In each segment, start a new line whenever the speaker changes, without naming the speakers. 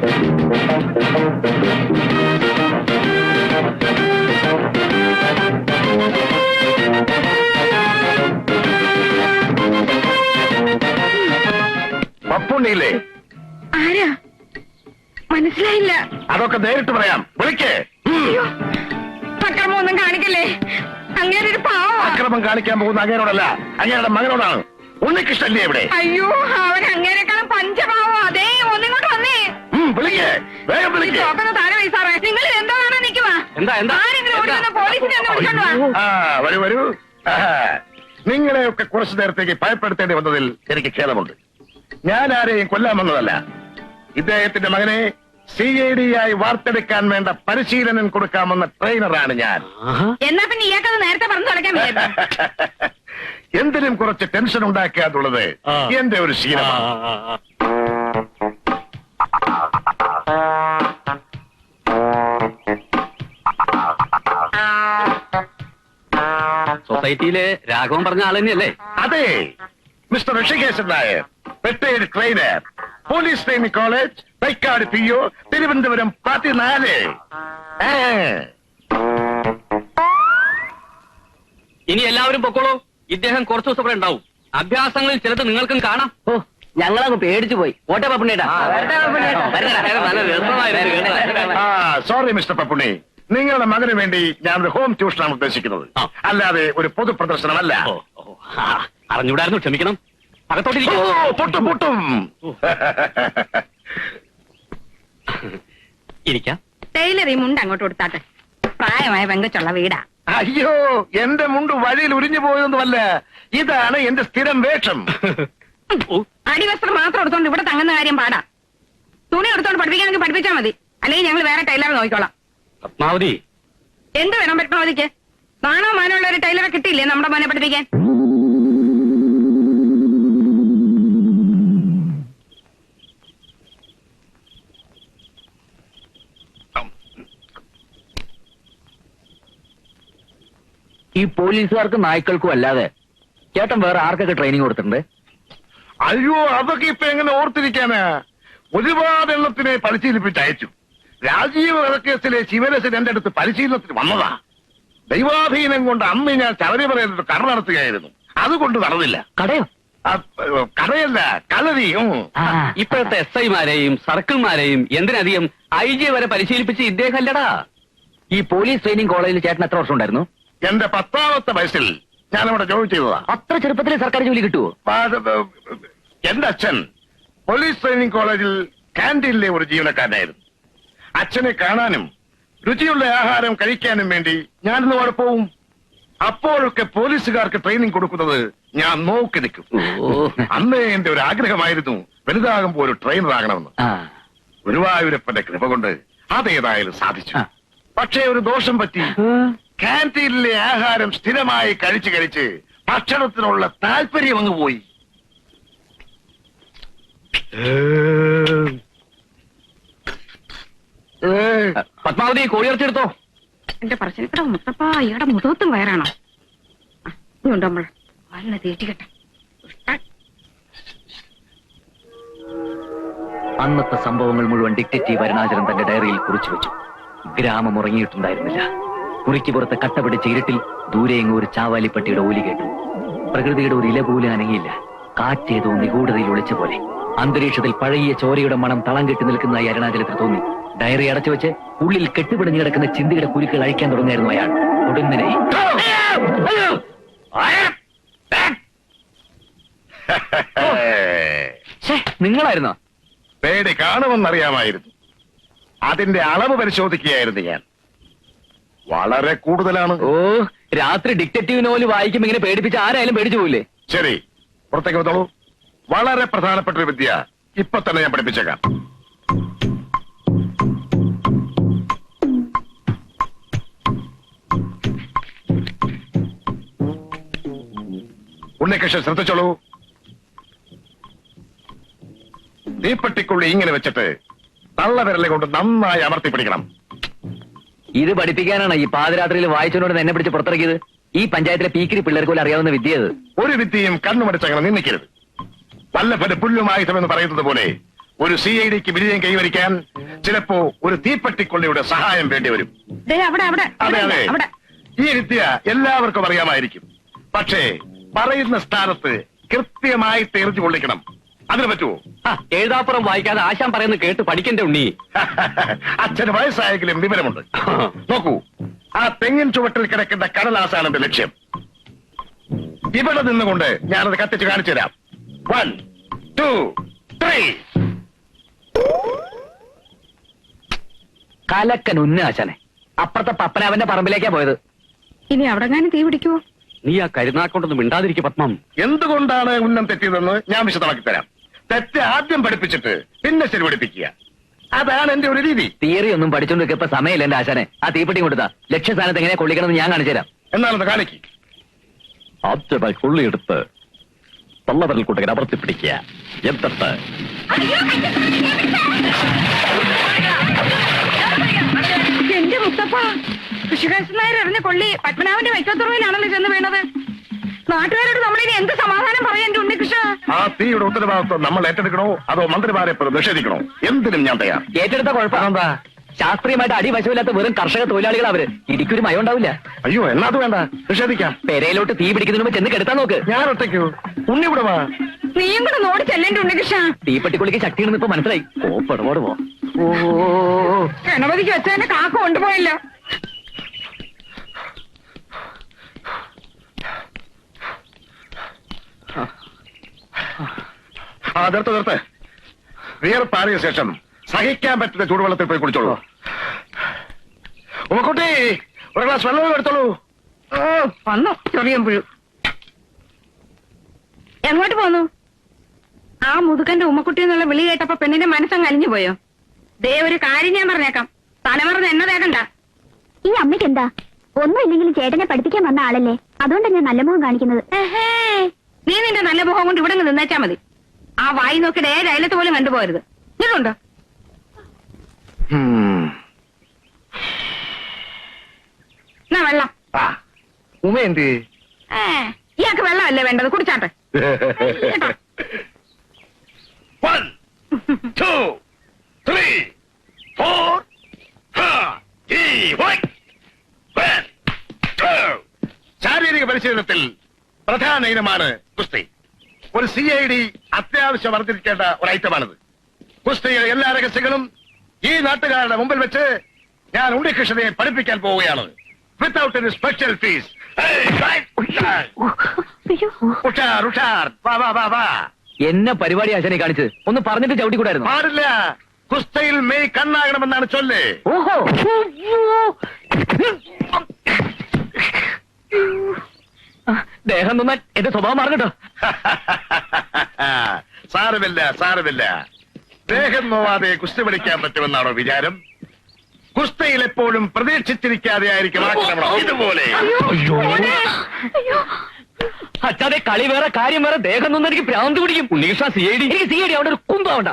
പപ്പുണ്ണിയില്ലേ?
ആരാ? മനസ്സിലായില്ല.
അതൊക്കെ നേരിട്ട് പറയാം. വിളിക്കേ.
അക്രമമൊന്നും കാണിക്കല്ലേ. അങ്ങനെ ഒരു പാവം.
അക്രമം കാണിക്കാൻ പോകുന്ന അങ്ങേരോടല്ല, അങ്ങേരുടെ മകനോടാണ്. ഉണ്ണികൃഷ്ണല്ലേ ഇവിടെ?
അയ്യോ, അവൻ അങ്ങേരെക്കാളും പഞ്ചപാവോ. അതേ, ഒന്നിങ്ങോട്ട് വന്നേ.
വിളിക്കേ, വേഗം വിളിക്കേ.
താഴെ വൈസാറേ, നിങ്ങൾ എന്താണ് നിൽക്കുവാ? ആരെങ്കിലും ഓടിക്കുന്ന പോലീസിനെ ഒന്ന് വിളിച്ചോണ്ട് വാ.
വരൂ വരൂ. നിങ്ങളെയൊക്കെ കുറച്ചു നേരത്തേക്ക് ഭയപ്പെടുത്തേണ്ടി വന്നതിൽ എനിക്ക് ഖേദമുണ്ട്. ഞാൻ ആരെയും കൊല്ലാൻ വന്നതല്ല. ഇദ്ദേഹത്തിന്റെ മകനെ CID ആയി വാർത്തെടുക്കാൻ വേണ്ട പരിശീലനം കൊടുക്കാമെന്ന ട്രെയിനറാണ് ഞാൻ.
എന്നാ പിന്നെ ഇയാൾക്കത് നേരത്തെ പറഞ്ഞു തുടക്കാൻ
എന്തിനും കുറച്ച് ടെൻഷൻ ഉണ്ടാക്കുക എന്നുള്ളത് എന്റെ ഒരു ശീലമാണ്.
സൊസൈറ്റിയിലെ രാഘവൻ പറഞ്ഞ ആൾ തന്നെയല്ലേ?
അതെ, mister Rishikeshan Nair, retired trainer, police training college, Thycaud PO, Thiruvananthapuram 14.
ഇനി എല്ലാവരും പൊക്കോളൂ. ഇദ്ദേഹം കുറച്ചു ദിവസം ഇവിടെ ഉണ്ടാവും. അഭ്യാസങ്ങളിൽ ചിലത് നിങ്ങൾക്കും കാണാം.
ഓ, ഞങ്ങളങ്ങ് പേടിച്ചു പോയി. ഓട്ടെ പപ്പുണ്ണേട്ടാ.
സോറി മിസ്റ്റർ പപ്പുണ്ണി, നിങ്ങളുടെ മകന് വേണ്ടി ഞാൻ ഒരു ഹോം ട്യൂഷനാണ് ഉദ്ദേശിക്കുന്നത്, അല്ലാതെ ഒരു പൊതു പ്രദർശനമല്ല.
അറിഞ്ഞൂടായിരുന്നു, ക്ഷമിക്കണം.
പൊട്ടും പൊട്ടും.
ഇരിക്കാം.
ടൈലർ ഈ മുണ്ട് അങ്ങോട്ട് കൊടുത്താട്ടെ. പ്രായമായ പെങ്കച്ചുള്ള വീടാ.
അയ്യോ, എന്റെ മുണ്ട് വഴിയിൽ ഉരിഞ്ഞു പോയതൊന്നുമല്ല. ഇതാണ് എന്റെ സ്ഥിരം വേഷം.
അടിവസ്ത്രം മാത്രം എടുത്തോണ്ട് ഇവിടെ തങ്ങുന്ന കാര്യം പാടാ. തുണി എടുത്തോണ്ട് പഠിപ്പിക്കാനെങ്കിൽ പഠിപ്പിച്ചാൽ മതി, അല്ലെങ്കിൽ ഞങ്ങൾ വേറെ ടൈലറെ നോക്കിക്കോളാം.
പത്മാവതി,
എന്ത് വേണം പത്മാവതിക്ക്? നാണോ മാനമുള്ള ഒരു ടൈലറെ കിട്ടിയില്ലേ നമ്മുടെ മോനെ പഠിപ്പിക്കാൻ?
ഈ പോലീസുകാർക്കും നായ്ക്കൾക്കും അല്ലാതെ ചേട്ടൻ വേറെ ആർക്കൊക്കെ ട്രെയിനിങ് കൊടുത്തിട്ടുണ്ട്?
അയ്യോ, അതൊക്കെ ഇപ്പൊ എങ്ങനെ ഓർത്തിരിക്കാനാ? ഒരുപാട് എണ്ണത്തിനെ പരിശീലിപ്പിച്ച് അയച്ചു. രാജീവ് വധക്കേസിലെ ശിവരസൻ എന്റെ അടുത്ത് പരിശീലനത്തിന് വന്നതാ. ദൈവാധീനം കൊണ്ട് അന്ന് ഞാൻ ശബരിമലയിൽ കട നടത്തുകയായിരുന്നു. അതുകൊണ്ട് നടന്നില്ല.
കടയോ?
കടയല്ല, കളരി.
ഇപ്പോഴത്തെ SI-മാരെയും സർക്കിൾമാരെയും എന്തിനധികം IG വരെ പരിശീലിപ്പിച്ച് ഇദ്ദേഹം അല്ലടാ.
ഈ പോലീസ് ട്രെയിനിങ് കോളേജിൽ ചേട്ടൻ എത്ര വർഷം ഉണ്ടായിരുന്നു?
എന്റെ 10ാമത്തെ വയസ്സിൽ ഞാനവിടെ ജോലി ചെയ്തതാ.
അത്ര ചെറുപ്പത്തിൽ സർക്കാർ ജോലി കിട്ടുവോ?
എന്റെ അച്ഛൻ പോലീസ് ട്രെയിനിങ് കോളേജിൽ കാന്റീനിലെ ഒരു ജീവനക്കാരനായിരുന്നു. അച്ഛനെ കാണാനും രുചിയുള്ള ആഹാരം കഴിക്കാനും വേണ്ടി ഞാനിന്ന് അവിടെ പോവും. അപ്പോഴൊക്കെ പോലീസുകാർക്ക് ട്രെയിനിങ് കൊടുക്കുന്നത് ഞാൻ നോക്കി നിൽക്കും. അന്ന് എന്റെ ഒരു ആഗ്രഹമായിരുന്നു വലുതാകുമ്പോ ഒരു ട്രെയിനർ ആകണമെന്ന്. ഗുരുവായൂരപ്പന്റെ കൃപ കൊണ്ട് അതേതായാലും സാധിച്ചു. പക്ഷേ ഒരു ദോഷം പറ്റി. കാന്റീനിലെ ആഹാരം സ്ഥിരമായി കഴിച്ച് കഴിച്ച് ഭക്ഷണത്തിനുള്ള താല്പര്യം അങ്ങ് പോയി.
പത്മാവതി, കോഴിയിറച്ചെടുത്തോ.
എന്റെ പറശ്ശിനിക്കട മുത്തപ്പ, ഇയാടെ മുഖത്തും വയറാണോ? ഉണ്ടോ നമ്മൾ വല്ല തീറ്റിക്കട്ടെ.
അന്നത്തെ സംഭവങ്ങൾ മുഴുവൻ ഡിറ്റക്റ്റീവ് അരുണാചലൻ തന്റെ ഡയറിയിൽ കുറിച്ചു വെച്ചു. ഗ്രാമം ഉറങ്ങിയിട്ടുണ്ടായിരുന്നില്ല. കുറിക്ക് പുറത്ത് കട്ട പിടിച്ച ഇരുട്ടിൽ ദൂരെയെങ്ങും ഒരു ചാവാലിപ്പട്ടിയുടെ ഓലി കേട്ടു. പ്രകൃതിയുടെ ഒരു ഇല പോലും അനങ്ങിയില്ല. കാറ്റേതോ നിഗൂഢതയിൽ ഒളിച്ച പോലെ. അന്തരീക്ഷത്തിൽ പഴകിയ ചോരയുടെ മണം തളം കെട്ടി നിൽക്കുന്നതായി അരുണാചലത്തിന് തോന്നി. ഡയറി അടച്ചു വെച്ച് ഉള്ളിൽ കെട്ടുപിടിഞ്ഞു കിടക്കുന്ന ചിന്തയുടെ കുരുക്കൾ അഴിക്കാൻ തുടങ്ങിയായിരുന്നു അയാൾ. ഉടനെ നിങ്ങളായിരുന്നോ?
പേടി കാണുമെന്നറിയാമായിരുന്നു. അതിന്റെ അളവ് പരിശോധിക്കുകയായിരുന്നു ഞാൻ. വളരെ കൂടുതലാണ്.
ഓ, രാത്രി ഡിറ്റക്റ്റീവ് നോവൽ വായിക്കുമ്പോ ഇങ്ങനെ പേടിപ്പിച്ച് ആരായാലും പേടിച്ചു പോയില്ലേ?
ശരി, പുറത്തേക്ക് വന്നോളൂ. വളരെ പ്രധാനപ്പെട്ട ഒരു വിദ്യ ഇപ്പൊ തന്നെ ഞാൻ പഠിപ്പിച്ചേക്കാം. ഉണ്ണികൃഷ്ണൻ ശ്രദ്ധിച്ചോളൂ. തീപ്പെട്ടിക്കുള്ളി ഇങ്ങനെ വെച്ചിട്ട് തള്ളവിരലെ കൊണ്ട് നന്നായി അമർത്തി പിടിക്കണം.
ഇത് പഠിപ്പിക്കാനാണ് ഈ പാതിരാത്രിയിൽ വായിച്ചോണ്ട് എന്നെ പിടിച്ച് പുറത്തിറക്കിയത്? ഈ പഞ്ചായത്തിലെ പീക്കിരി പിള്ളേർക്ക് പോലും അറിയാവുന്ന വിദ്യ അത്.
ഒരു വിദ്യയും കണ്ണുമടിച്ചങ്ങനെ നിന്നിക്കരുത്. വല്ലഭന് പുല്ലുമായുധം എന്ന് പറയുന്നത് പോലെ ഒരു CIDക്ക് വിജയം കൈവരിക്കാൻ ചിലപ്പോ ഒരു തീപ്പെട്ടിക്കൊള്ളിയുടെ സഹായം വേണ്ടി വരും.
ദേ അവിടെ അവിടെ
അതെ അതെ,
അവിടെ
ഈ വിദ്യ എല്ലാവർക്കും അറിയാമായിരിക്കും. പക്ഷേ പറയുന്ന സ്ഥാനത്ത് കൃത്യമായി തെറിച്ചു കൊള്ളിക്കണം. അതിന് പറ്റുമോ?
എഴുതാപ്പുറം വായിക്കാതെ ആശാൻ പറയുന്നത് കേട്ട് പഠിക്കണ്ടേ ഉണ്ണി.
അച്ഛന് വയസ്സായെങ്കിലും വിവരമുണ്ട്. നോക്കൂ, ആ തെങ്ങിൻ ചുവട്ടിൽ കിടക്കുന്ന കടലാസാണ് എന്റെ ലക്ഷ്യം. ഇവിടെ നിന്നുകൊണ്ട് ഞാനത് കത്തിച്ച് കാണിച്ചു തരാം. 1, 2, 3.
കലക്കൻ ഉന്നാശാനെ. അപ്പുറത്തെ പപ്പനാവന്റെ പറമ്പിലേക്കാ പോയത്.
ഇനി അവിടെ തീ പിടിക്കുവോ?
നീ ആ കരുനാക്കൊണ്ടൊന്നും മിണ്ടാതിരിക്കും പത്മം.
എന്തുകൊണ്ടാണ് ഉന്നം തെറ്റിയതെന്ന് ഞാൻ വിശദമാക്കി തരാം. തെറ്റ് ആദ്യം പഠിപ്പിച്ചിട്ട് പിന്നെ ശരി പഠിപ്പിക്കുക. അതാണ് എന്റെ ഒരു രീതി.
തിയറി ഒന്നും പഠിച്ചോണ്ട് ഇപ്പൊ സമയമില്ല എന്റെ ആശാനെ. ആ തീപ്പെട്ടി കൊടുത്താ ലക്ഷ്യസ്ഥാനത്ത് എങ്ങനെ കൊള്ളിക്കണമെന്ന് ഞാൻ കാണിച്ചു തരാം.
എന്നാലത് കാണിക്ക്.
ആദ്യമായി കൊള്ളിയെടുത്ത് തള്ളവരൽ കൂട്ടകൻ അമർത്തി പിടിക്കുക. എന്നിട്ട്
എന്റെ മുത്തപ്പ, കൃഷികാശൻ നായർ എറിഞ്ഞ കൊള്ളി പത്മനാഭന്റെ വൈക്കത്തുറവിലാണല്ലോ ചെന്ന് വീണത്. നാട്ടുകാരോട് നമ്മളിനി എന്ത് സമാധാനം പറയാൻ എന്റെ ഉണ്ണികൃഷ്ണ?
ആ തീയുടെ ഉത്തരവാദിത്വം നമ്മൾ ഏറ്റെടുക്കണോ അതോ മന്ത്രിമാരെ നിഷേധിക്കണോ? എന്തിനും ഞാൻ തയ്യാർ.
ഏറ്റെടുത്ത കുഴപ്പമെന്താ? ശാസ്ത്രീയമായിട്ട് അടിവശമില്ലാത്ത വെറും കർഷക തൊഴിലാളികൾ അവര്. ഇടിക്കൊരു മയം ഉണ്ടാവില്ല.
അയ്യോ, എന്നാ അത് വേണ്ട, നിഷേധിക്കാം.
പെരയിലോട്ട് തീ പിടിക്കുന്നതിന് മുമ്പ് ചെന്ന് കെടുത്താൻ നോക്ക്.
ഞാൻ ഒറ്റയ്ക്കോ? ഉണ്ണി ഇവിടെ വാ.
നീയും കൂടെ നോടി ചെല്ലേണ്ട ഉണ്ണികൃഷ്ണ.
തീപ്പെട്ടിക്കൊള്ളിക്ക് ശക്തിയാണെന്ന് ഇപ്പൊ മനസ്സിലായി. ഓ
ഗണപതിക്ക് വെച്ചതിന്റെ കാക്ക കൊണ്ടുപോയല്ലോ.
നിർത്ത്. വിയർപ്പാറിയ ശേഷം സഹിക്കാൻ പറ്റുന്ന ചൂടുവെള്ളത്തിൽ പോയി കുടിച്ചോളൂ. ഉമ്മക്കുട്ടി, ഒരു ഗ്ലാസ് വെള്ളം എടുത്തോളൂ.
വന്നു ചെറിയം പുഴു. എങ്ങോട്ട് പോന്നു? ആ മുതുകന്റെ ഉമ്മക്കുട്ടി എന്നുള്ള വിളി കേട്ടപ്പോ പെണ്ണിന്റെ മനസ്സങ്ങ് അലിഞ്ഞു പോയോ? ദേ ഒരു കാര്യം ഞാൻ പറഞ്ഞേക്കാം, തലമറന്ന് എന്നെ തേക്കണ്ട.
ഈ അമ്മയ്ക്ക് എന്താ? ഒന്നുമില്ലെങ്കിലും ചേട്ടനെ പഠിപ്പിക്കാൻ വന്ന ആളല്ലേ, അതുകൊണ്ടാണ് ഞാൻ നല്ല മുഖം കാണിക്കുന്നത്.
നീ നിന്റെ നല്ല മുഖം കൊണ്ട് ഇവിടെ നിന്നേച്ചാ മതി. ആ വായി നോക്കിയിട്ട് ഏത് അയലത്ത് പോലും കണ്ടുപോകരുത്. നിങ്ങളുണ്ടോ? എന്നാ വെള്ളം.
ഉമ്മ എന്ത്?
ഇയാൾക്ക് വെള്ളമല്ലേ വേണ്ടത്, കുടിച്ചാട്ടെ.
1, 2, 3, 4. ശാരീരിക പരിശീലനത്തിൽ പ്രധാന ഇനമാണ് കുസ്തി. ഒരു CID അത്യാവശ്യം അറിഞ്ഞിരിക്കേണ്ട ഒരു ഐറ്റമാണിത്. കുസ്തിയുടെ എല്ലാ രഹസ്യങ്ങളും ഈ നാട്ടുകാരുടെ മുമ്പിൽ വെച്ച് ഞാൻ ഉണ്ണികൃഷ്ണനെ പഠിപ്പിക്കാൻ പോവുകയാണ്. Without any special fees. ഉഷാർ ഉഷാർ, വാ വാ വാ വാ.
എന്നെ പരിപാടി ആശാനെ കാണിച്ചത് ഒന്ന് പറഞ്ഞിട്ട് ചവിട്ടിക്കൂടായിരുന്നു?
പാടില്ല. കുസ്തയിൽ മെയ് കണ്ണാകണമെന്നാണ് ചൊല്ല്.
ഓഹോ, ദേഹം നന്നാൻ എന്റെ സ്വഭാവം മാറട്ടോ.
സാരമില്ല സാരമില്ല. ദേഹം നോവാതെ കുസ്തി പഠിക്കാൻ പറ്റുമെന്നാണോ വിചാരം? കുസ്തയിൽ എപ്പോഴും പ്രതീക്ഷിച്ചിരിക്കാതെ ആയിരിക്കും ആക്രമണം. ഇതുപോലെ
അച്ഛാതെ കളി വേറെ കാര്യം വേറെ. ദേഹം നൊന്നും എനിക്ക് ഭ്രാന്ത് പിടിക്കും. ഉണ്ണികൃഷ്ണ CID. എനിക്ക് CID അവിടെ ഒരു കുന്തമുണ്ട.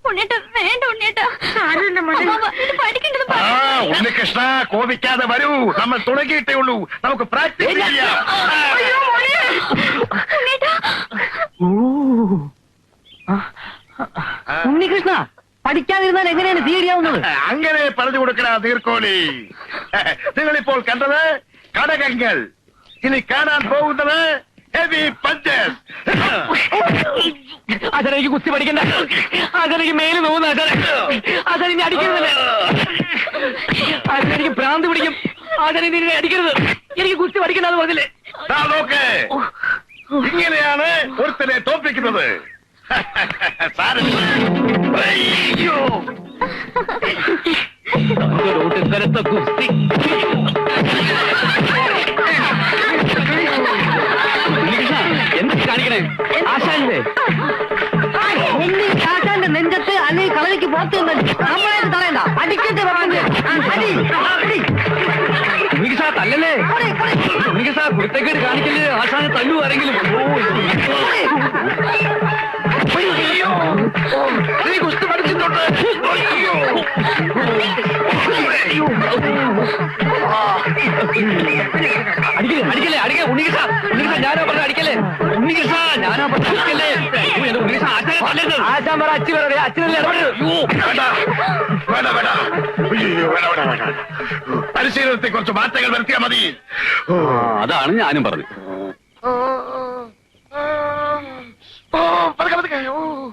ഉണ്ണികൃഷ്ണ കോപിക്കാതെ വരൂ. നമ്മൾ തുടങ്ങിയിട്ടേ ഉള്ളൂ. നമുക്ക് പ്രാക്ടീസ് ചെയ്യാം.
ഉണ്ണികൃഷ്ണ പഠിക്കാതിരുന്നാൽ എങ്ങനെയാണ് CID ആവുന്നത്?
അങ്ങനെ പറഞ്ഞു കൊടുക്കണ നീർക്കോലി. നിങ്ങളിപ്പോൾ കണ്ടത് കടകങ്ങൾ. ഇനി കാണാൻ പോകുന്നത് ഹെവി പഞ്ചസ്.
അതെനിക്ക് കുസ്തി പഠിക്കണ്ട. അതെനിക്ക് മേല് നോവുന്ന അതെനിക്ക് അടിക്കരുതല്ലേ. അതെനിക്ക് ഭ്രാന്ത് പിടിക്കും. അതെനിക്ക് അടിക്കരുത്. എനിക്ക് കുസ്തി പഠിക്കണ്ട എന്ന് പറഞ്ഞില്ലേ?
നോക്ക്, ഇങ്ങനെയാണ് ഒരുത്തനെ തോൽപ്പിക്കുന്നത്.
ഇത്തരത്തെ കുസ്തി എന്ത് കാണിക്കണേ? ആശാന്റെ ആശാന്റെ നെഞ്ചത്ത് അല്ലെങ്കിൽ കളരിക്ക് പുറത്ത് നമ്മളായിട്ട് തടയണ്ട. അടിക്കട്ടെ തല്ലല്ലേ. കുരുത്തക്കേട് കാണിക്കല്ലേ. ആശാനെ തല്ലു ആരെങ്കിലും.
നീ കുസ്തി പഠിച്ചിട്ടുണ്ട്.
അടിക്കല്ലേ അടിക്കല്ലേ അടിക്കേ. ഉണ്ണികൃഷ്ണ ഞാനാ പറഞ്ഞ അടിക്കല്ലേ. ഉണ്ണികൃഷ്ണ ഞാനാ പറഞ്ഞ അടിക്കല്ലേ. ഉണ്ണികൃഷ്ണ
കൊല്ലരുത്.
ആശാൻ പറ അച്ഛൻ പറയാ അച്ഛനല്ലേ ഇടപെടരുത്.
വേണ്ട, വേണ്ട, വേണ്ട. അയ്യോ, വേണ്ട, വേണ്ട, വേണ്ട. പരിശീലനത്തെ കുറച്ച് മാറ്റങ്ങൾ വരുത്തിയാൽ മതി.
അതാണ് ഞാനും പറഞ്ഞത്.
പതുക്കെ, പതുക്കെ.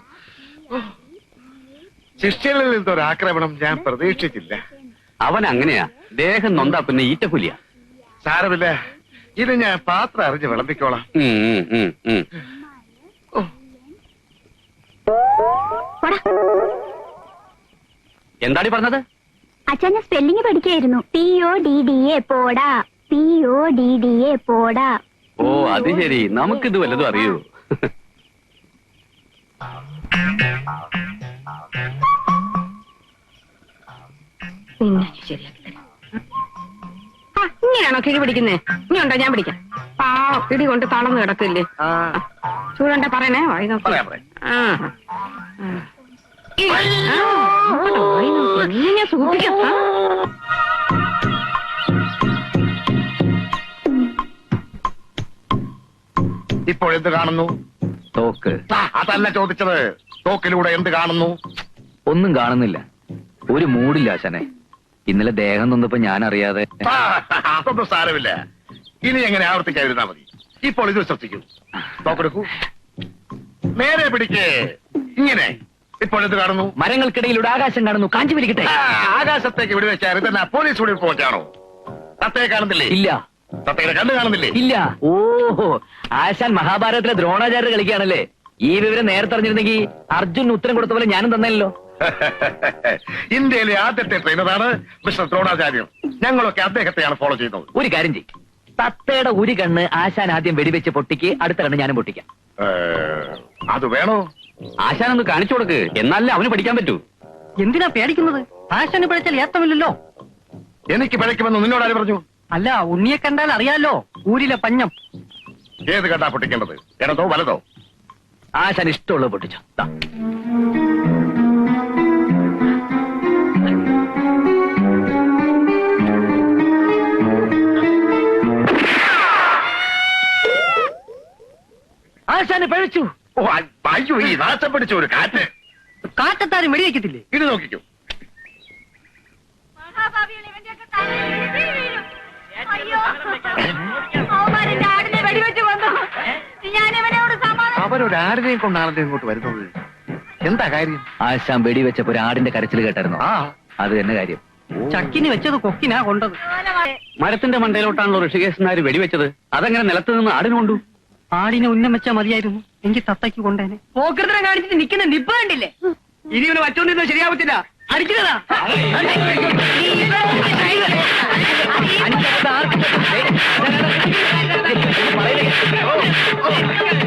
ശിഷ്യനിൽ നിന്നൊരു ആക്രമണം ഞാൻ പ്രതീക്ഷിച്ചില്ല.
അവൻ അങ്ങനെയാ, ദേഹം നൊന്താ പിന്നെ ഈറ്റപ്പുലിയാ.
സാരമില്ല, ഇത് ഞാൻ പാത്രം അറിഞ്ഞ് വിളമ്പിക്കോളാം.
പോടാ.
എന്താടി പറഞ്ഞത്?
അച്ഛൻ സ്പെല്ലിംഗ് പഠിക്കായിരുന്നു. PODDA പോടാ, PODDA പോടാ.
ഓ അത് ശരി, നമുക്കിത് വല്ലതും അറിയൂ.
പിന്നെ ശരിയാക്കി തരാം. ആ, ഇങ്ങനെയാണോ കിഴി പിടിക്കുന്നേ? ഇനി ഉണ്ടോ ഞാൻ പിടിക്കാം. പിടി കൊണ്ട് തളർന്നു കിടക്കില്ലേ? ചൂടണ്ട പറയണേ, വായി നോക്കി.
പറയാം, പറയാം.
ആ. ആ. അങ്ങോട്ട് വായി നോക്കി. നീ ഞാൻ സൂക്ഷിക്കാം. ആ.
ഇപ്പോഴെന്ത് കാണുന്നു?
തോക്ക്.
അതല്ല ചോദിച്ചത്. തോക്കിലൂടെ എന്ത് കാണുന്നു?
ഒന്നും കാണുന്നില്ല. ഒരു മൂടില്ല ആശാനെ. ഇന്നലെ ദേഹം നൊന്നപ്പോ ഞാൻ അറിയാതെ.
അതൊന്നും സാരമില്ല. ഇനി എങ്ങനെ ആവർത്തിക്കാതിരുന്നാ മതി. ഇപ്പോൾ ഇത് ശ്രദ്ധിക്കൂ. തോക്കെടുക്കൂ. നേരെ പിടിക്കേ. ഇങ്ങനെ. ഇപ്പോൾ എന്ത് കാണുന്നു?
മരങ്ങൾക്കിടയിലൂടെ ആകാശം കാണുന്നു. കാഞ്ചി വലിക്കട്ടെ.
ആകാശത്തേക്ക് വിടുവെച്ചാൽ ഇതെന്നാ പോലീസ് വിടി പോറ്റാണോ? തത്തയെ കാണുന്നില്ലേ?
ഇല്ല.
തത്തയുടെ കണ്ണ് കാണുന്നില്ലേ?
ഇല്ല. ഓഹോ, ആശാൻ മഹാഭാരതത്തിലെ ദ്രോണാചാര്യ കളിക്കുകയാണല്ലേ. ഈ വിവരം നേരത്തെ അറിഞ്ഞിരുന്നെങ്കിൽ അർജുൻ ഉത്തരം കൊടുത്ത പോലെ ഞാനും തന്നല്ലോ.
ഇന്ത്യയിലെ ആദ്യത്തെ ട്രെയിനറാണ് മിസ്റ്റർ ദ്രോണാചാര്യം. ഞങ്ങളൊക്കെ അദ്ദേഹത്തെയാണ് ഫോളോ ചെയ്യുന്നത്.
ഒരു കാര്യം ചെയ്യും, തത്തയുടെ ഒരു കണ്ണ് ആശാൻ ആദ്യം വെടിവെച്ച് പൊട്ടിക്ക്, അടുത്ത കണ്ണ് ഞാനും പൊട്ടിക്കാം.
അത് വേണോ?
ആശാനൊന്ന് കാണിച്ചു കൊടുക്ക്, എന്നാലേ അവന് പഠിക്കാൻ പറ്റൂ.
എന്തിനാ പേടിക്കുന്നത്? ആശാന് പിഴച്ചാൽ ഏത്തമില്ലല്ലോ.
എനിക്ക് പിഴയ്ക്കുമെന്ന് നിന്നോട് ആര് പറഞ്ഞു?
അല്ല, ഉണ്ണിയെ കണ്ടാൽ അറിയാലോ, ഊരിലെ പഞ്ഞം.
ഏത് കണ്ടാ പൊട്ടിക്കേണ്ടത്? ഇടതോ വലതോ?
ആശാൻ ഇഷ്ടമുള്ളത് പൊട്ടിച്ചോ. ദാ. ആശാന് പഴിച്ചു.
ഓ, അയ്യോ, ഈ നാശം പിടിച്ച ഒരു കാറ്റ്.
കാറ്റത്താരും വെടിവെക്കത്തില്ലേ?
ഇത് നോക്കിക്കോ. അവരൊരാടിനെയും കൊണ്ടാണല്ലോ ഇങ്ങോട്ട് വരുന്നത്. എന്താ കാര്യം?
ആശാൻ വെടിവെച്ചപ്പോ ഒരു ആടിന്റെ കരച്ചിൽ കേട്ടായിരുന്നു.
ആ,
അത് തന്നെ കാര്യം.
ചക്കിന് വെച്ചത് കൊക്കിനാ കൊണ്ടത്.
മരത്തിന്റെ മണ്ടയിലോട്ടാണല്ലോ ഋഷികേശനാര് വെടിവെച്ചത്. അതങ്ങനെ നിലത്ത് നിന്ന് ആടിന് കൊണ്ടു.
ആടിനെ ഉന്നം വെച്ചാ മതിയായിരുന്നു, എങ്കിൽ തത്തയ്ക്ക് കൊണ്ടേനെ.
പോക്കൃതം കാണിച്ചിട്ട് നിൽക്കുന്ന നിപ്പ് കണ്ടില്ലേ?
ഇനി ഇവന് വച്ചോണ്ടിരുന്നത് ശരിയാവത്തില്ല. അടിക്കുന്നതാ.
അഞ്ച്